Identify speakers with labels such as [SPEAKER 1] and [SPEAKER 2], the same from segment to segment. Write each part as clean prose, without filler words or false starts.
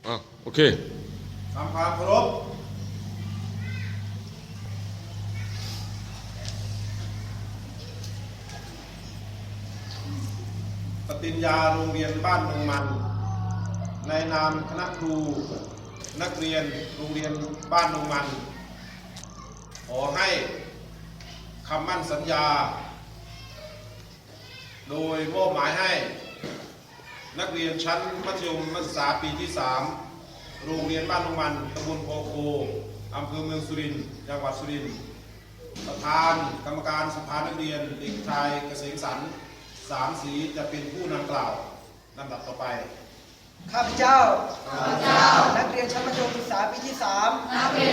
[SPEAKER 1] โอเค
[SPEAKER 2] ทำความเคารพปฏิญญาโรงเรียนบ้านดงมันในนามคณะครูนักเรียนโรงเรียนบ้านดงมันขอให้คำมั่นสัญญาโดยมอบหมายให้นักเรียนชั้นมัธยมศึกษาปีที่ 3โรงเรียนบ้านดงมันตำบลโพโคอำเภอเมืองสุรินทร์จังหวัดสุรินทร์ประธานกรรมการสภานักเรียนเด็กชายเกษมสรรสามศรีจะเป็นผู้นำกล่าวลำดับต่อไป
[SPEAKER 3] ข้าพเจ้านักเรียนชั้นมัธยมศึกษาปีที่ 3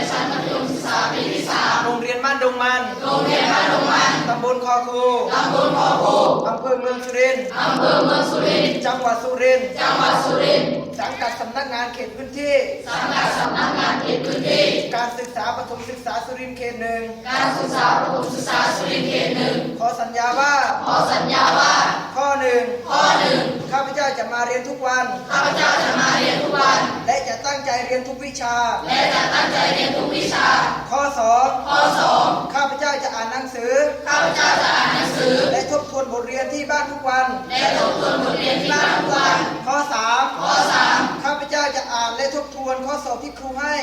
[SPEAKER 3] โรงเรียนบ้านดงมันตำบลคอคูอำเภอเมืองสุรินทร์จังหวัดสุรินทร์สังกัดสำนักงานเขตพื้นที่การศึกษาประถมศึกษาสุรินทร์เขต 1ขอสัญญาว่าข้อ 1ข้าพเจ้าจะมาเรียนทุกวันและจะตั้งใจเรียนทุกวิชาข้อ 2ข้าพเจ้าจะอ่านหนังสือและทบทวนบทเรียนที่บ้านทุกวันข้อ 3ข้าพเจ้าจะอ่านและทบทวนข้อสอบที่ครูให้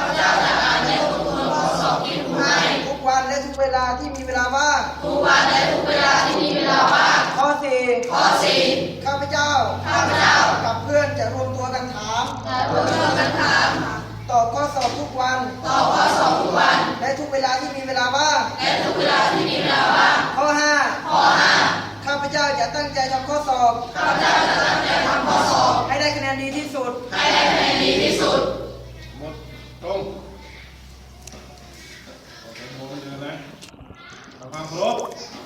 [SPEAKER 3] ทุกวันและทุกเวลาที่มีเวลาว่างข้อ 4ข้าพเจ้ากับเพื่อนจะรวมตัวกันถามตอบข้อสอบทุกวันและทุกเวลาที่มีเวลาว่างข้อ 5ข้าพเจ้าจะตั้งใจทำข้อสอบให้ได้คะแนนดีที่สุด
[SPEAKER 2] หมดตรงโอเคโมไม่เดินนะทำความเคารพ